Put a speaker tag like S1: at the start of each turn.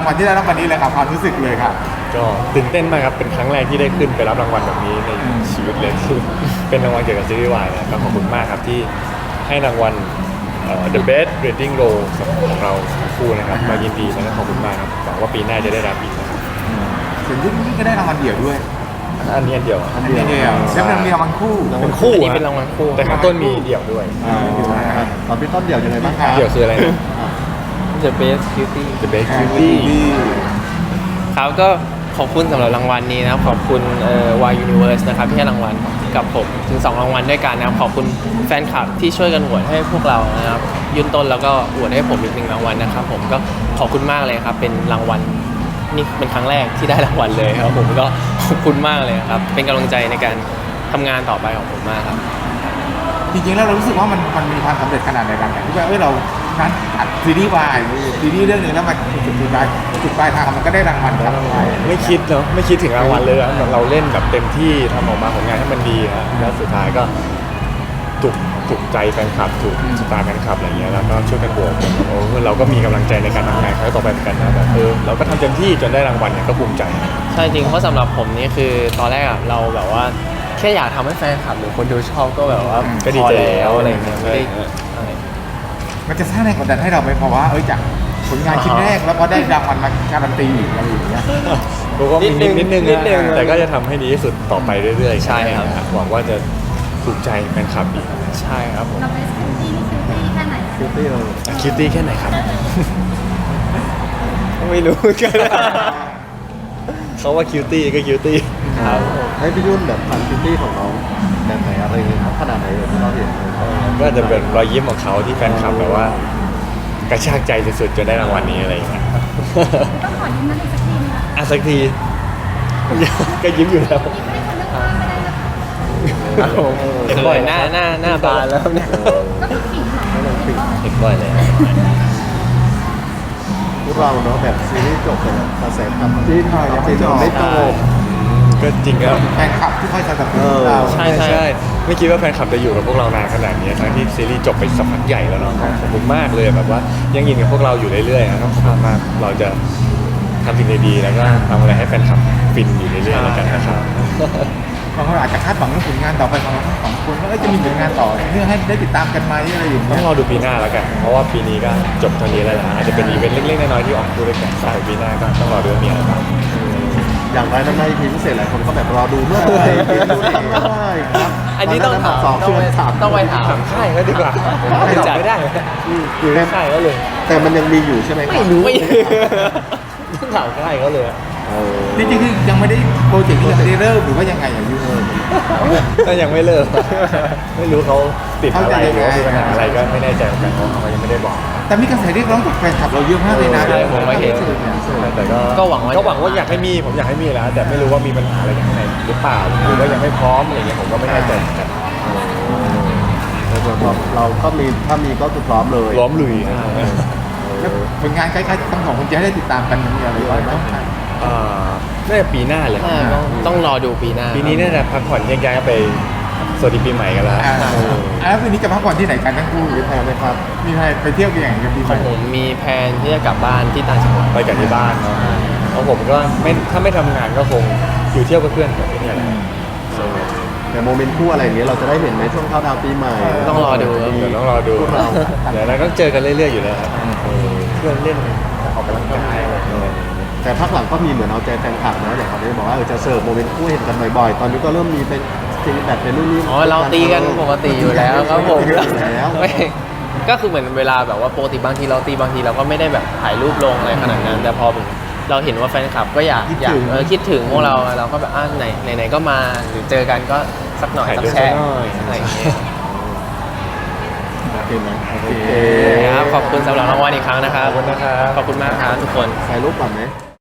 S1: วัลที่ได้รับวันนี้เลยครับความรู้สึกเลยครับ
S2: ก็ตื่นเต้นมากครับเป็นครั้งแรกที่ได้ขึ้นไปรับรางวัลแบบนี้ในชีวิตเลยคือเป็นรางวัลเกี่ยวกับซีรีส์วายนะก็ขอบคุณมากครับที่ให้รางวัลThe Best Rating Role ของเราทั้งคู่นะครับมายินดีแล้วก็ขอบคุณมากครับหวังว่าปีหน้าจะได้รับอีกนะครับ
S1: ส่วนที่นี่ก็ได้รางวัลเดี่ยวด้วย
S2: อันนี้อันเดียว
S1: อันเดียวแล้วมันมีรางวัลคู่
S2: เป็นคู่
S3: อันนี้เป็นรางวัลคู่
S2: แต่ข้างต้นมีเดี่ยวด้วย
S4: ตอนพี่ต้นเดี่ยวยังไงบ้างครับ
S2: เดี่ยวคืออะไรนะ
S3: The Best Beauty
S2: The Best Beauty
S3: ครับก็ขอบคุณสำหรับรางวัลนี้นะครับขอบคุณY Universe นะครับที่ให้รางวัลกับผมถึง2รางวัลด้วยกันนะครับขอบคุณแฟนคลับที่ช่วยกันโหวตให้พวกเรานะครับยื่นต้นแล้วก็โหวตให้ผมอีก1รางวัลนะครับผมก็ขอบคุณมากเลยครับเป็นรางวัลนี่เป็นครั้งแรกที่ได้รางวัลเลยครับผมก็ขอบคุณมากเลยครับเป็นกำลังใจในการทำงานต่อไปของผมมากครับ
S1: จริงๆแล้วเรารู้สึกว่ามันมีความสำเร็จขนาดไหนกันที่ว่าเรานั้นอัดซีรีส์วายซีรีส์เรื่องหนึงแล้วมันจุดปลายทางมันก็ได้รางวัลครับ
S2: ไม่คิดเนาะไม่คิดถึงรางวัลเลยนะเราเล่นแบบเต็มที่ทำออกมาผลงานให้มันดีฮะแล้วสุดท้ายก็ถูกใจแฟนคลับถูกสตาร์แฟนคลับอะไรเงี้ยแล้วก็ช่วยกันโหวตโอ้เราก็มีกำลังใจในการทำงานครั้งต่อไปเหมือนกันนะแบบเราก็ทำเต็มที่จนได้รางวัลเนี่ยก็ภูมิใจ
S3: ใช่จริงเพราะสำหรับผมนี่คือตอนแรกอะเราแบบว่าแค่อยากทำให้แฟนคลับหรือคนดูชอบก็แบบว่า
S2: ก็ดีใจ
S3: พอแล้วอะไรเงี้ยไม่ได้
S1: มันจะสร้างแรงกดดันให้เราไหมเพราะว่าจากผลงานชิ้นแรกแล้วก็ได้รางวัลมาการันตีอีกอะไรอย่างเงี้ย
S2: ก็มีนิดนึง
S3: นิดนึง
S2: แต่ก็จะทำให้ดีที่สุดต่อไปเรื่อยๆ
S3: ใช่ครับ
S2: หวังว่าจะถูกใจแฟนคลับอีก
S3: ใช่ครับผม
S5: เราเป็นคิวตี้นี่คิวตี้แค่ไหน
S4: คิวตี้เรา
S2: คิวตี้แค่ไหนครับ
S3: ไม่รู้กัน
S2: เขาว่าคิวตี้ก็คิวตี้
S3: ครับ
S4: ให้พี่ยุ่นแบบทำคิวตี้ของน้องแบบไหนอะไรอย่างเงี้ยครับขนาดไหนที่เราเห็นเลย
S2: ก็จะเป็นรอยยิ้มของเขาที่แฟนคลับแบบว่ากระชากใจสุดๆจนได้รางวัลนี้อะไรอย่างเงี้ย
S5: ต้องขอยิ้มนั่นอีกสักทีนึงนะ
S2: อ่ะสักที ก็ยิ้มอยู่แล้ว
S5: ไม่ได้คนเลือกว่าไม่ได้นะคะ
S3: เห็นบ่อยหน้าบานแล้วเนี่ย
S5: ก็คือขิงเหรอ
S4: ไม่ต้องปิด
S3: เห็นบ่อยเลย
S4: พวกเราเนาะแบบซีรีส์จบไปแล้วกระแสทำที่ไม่จบ
S2: ก็จริงครับ
S1: แฟนคลับที่คอยสนับสนุนเรา
S3: ใช่
S2: ไม่คิดว่าแฟนคลับจะอยู่กับพวกเรานานขนาดนี้ทั้งที่ซีรีส์จบไปสักพักใหญ่แล้วเนาะขอบคุณมากเลยแบบว่ายังยินกับพวกเราอยู่เรื่อยๆนะครับขอบคุณมากเราจะทำสิ่งดีๆแล้วก็ทำอะไรให้แฟนคลับฟินอยู่เรื่อยๆแล้วกันนะครับ
S1: บางคนอาจจะคาดหวังเรื่องผลงานต่อไปของเราทั้งสองคนว่าจะมีผลงานต่อเพื่อให้ได้ติดตามกันไหมอะไรอย่าง
S2: ต้อ
S1: เงี้
S2: ง
S1: ย
S2: รอดูปีหน้าแล้วกันเพราะว่าปีนี้ก็จบเท่านี้แล้วนะอาจจะเป็นอีเวนต์เล็กๆน้อยๆที่ออกคู่ด้วยกันต่อปีหน้าก็ต้องรอดูว่ามีอะไรบ้าง
S4: อย่างไรนั้นในทีพิเศษหลายคนก็แบบรอดูเมื่อไหร่ปีนู้นเองก็ได้ครับ
S3: อันนี้ต้องถาม
S4: สอง
S3: ต้องไป
S4: ถาม
S3: ต้องไปถาม
S2: ถามค่ายก็ดีกว่าผมตอบไม่ได้อยู่ในค่ายก็เลย
S4: แต่มันยังมีอยู่ใช่ไหมครับ
S3: ไม่รู้
S2: ต้องถามค่ายเขาเลย
S1: จริงๆคือยังไม่ได้โปรเจกต์นี้ยังไม่ได้เริ่มหรือว่ายังไงอย่างยู
S2: ก็ยังไม่เลิกไม่รู้เขาติดอะไรหรือว่ามีปัญหาอะไรก็ไม่แน่ใจเหมือนกันเพราะเขายังไม่ได้บอก
S1: แต่มีกระแสเรียกร้องจากแฟนคลับเราเยอะมากเลยนะ
S3: ใช่ผมก็เห็น
S2: แต่
S3: ก็หวังว่า
S2: อยากให้มีผมอยากให้มีแล้วแต่ไม่รู้ว่ามีปัญหาอะไรข้างในหรือเปล่าหรือว่ายังไม่พร้อมอะไรเงี้ยผมก็ไม่แน่ใจเหมือนกัน
S4: แต่ส่วนของเราก็มีถ้ามีก็คือพร้อมเลย
S2: ล้อมลุย
S1: แล้วผลงานคล้ายๆทั้งสองคนจะให้ได้ติดตามกันมีอะไรบ้างไหม
S2: น่าจะปีหน้าเลย
S3: ต้องรอดูปีหน้า
S2: ปีนี้น่าจะพักผ่อนแยกย้ายไปสวัสดีปีใหม่กันแล้ว
S1: แล้วคืนนี้จะพักผ่อนที่ไหนกันทั้งคู่
S4: มีแพลนไหมครับ
S1: มีใครไปเที่ยวกันอย่างไรกันปีให
S3: ขอ
S1: ม่
S3: งผมมีแผนที่จะกลับบ้านที่ต่างจังหวัด
S2: ไปกันที่บ้านเนาะของผมก็ไม่ถ้าไม่ทำงานก็คงอยู่เที่ยวกับเพื่อนแบบนี้แหละ
S4: แต่โมเมนต์คู่อะไรอย่างเงี้ยเราจะได้เห็นในช่วงเข้าดาวน์ปีใหม่
S3: ต้องรอดูครับ
S2: เดี๋ยวต้องรอดู
S4: พวกเรา
S2: เดี๋ยวเราต้องเจอกันเรื่อยๆอยู่แล้วครับเพื่อนเล่นออกกำลังกายอะไรอย่างเงี้ย
S4: แต่พักหลังก็มีเหมือนเอาใจแฟนคลับนะอย่างเขาได้บอกว่าจะเสิร์ฟโมเมนต์คู่เห็นกันบ่อยๆ ตอนนี้ก็เริ่มมีเป็นตีแบบเป็นนู่นนี่
S3: อ๋อเราตีกันปกติอยู่แล้วครับผม
S4: ตีกันอยู่แล้ว
S3: ไม่ก็คือเหมือนเวลาแบบว่าปกติบางทีเราตีบางทีเราก็ไม่ได้แบบถ่ายรูปลงอะไรขนาดนั้น แต่พอเราเห็นว่าแฟนคลับก็อยากคิดถึงพวกเราเราก็แบบไหนก็มาหรือเจอกันก็สักหน่อยสักแชะอะไรอย่างเงี้ย
S4: โอเคไหมโอเค
S3: ครับขอบคุณสำหรับรางวัลอีกครั้งนะครับ
S2: ขอบคุณนะครับ
S3: ขอบคุณมากครับทุกคน
S4: ถ่ายรูปก่อนไหม